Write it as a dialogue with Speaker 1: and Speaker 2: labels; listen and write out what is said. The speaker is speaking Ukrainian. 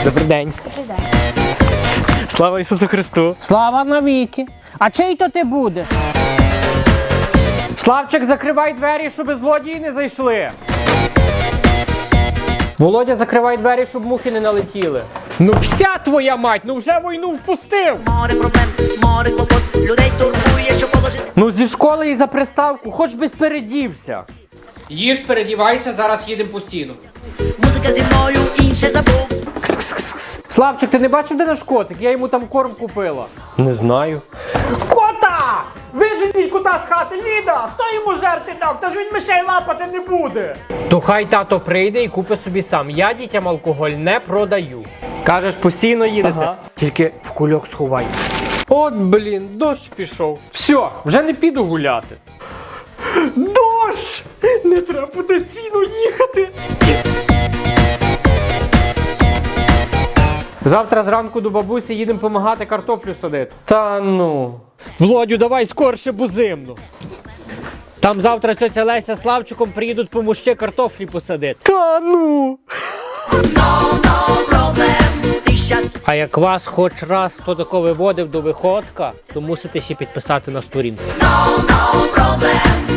Speaker 1: Добрий день.
Speaker 2: Добрий день.
Speaker 1: Слава Ісусу Христу.
Speaker 3: Слава навіки. А чий то ти будеш?
Speaker 1: Славчик, закривай двері, щоб злодії не зайшли. Володя, закривай двері, щоб мухи не налетіли. Ну вся твоя мать, ну вже війну впустив.
Speaker 4: Море проблем, море клопот, людей турбує, що положити.
Speaker 1: Ну зі школи і за приставку, хоч би передівся. Їж, передівайся, зараз їдемо постійно.
Speaker 4: Музика зі мною, інше забув.
Speaker 1: Славчик, ти не бачив, де наш котик? Я йому там корм купила. Не знаю. Кота! Виженіть кота з хати, Ліда! Хто йому жерти дав? Та ж він мишей лапати не буде. То хай тато прийде і купить собі сам. Я дітям алкоголь не продаю. Кажеш, постійно їдете? Ага. Тільки в кульок сховай. От, блін, дощ пішов. Все, вже не піду гуляти. Дощ! Не треба постійно їхати. Завтра зранку до бабусі їдемо допомагати картоплю садити. Та ну. Володю, давай скорше, бо зимно. Там завтра тьотя Леся з Славчиком приїдуть помогти картофлі посадити. Та ну. А як вас хоч раз хто тако виводив до виходка, то мусите ще підписати на сторінку.
Speaker 4: No problem.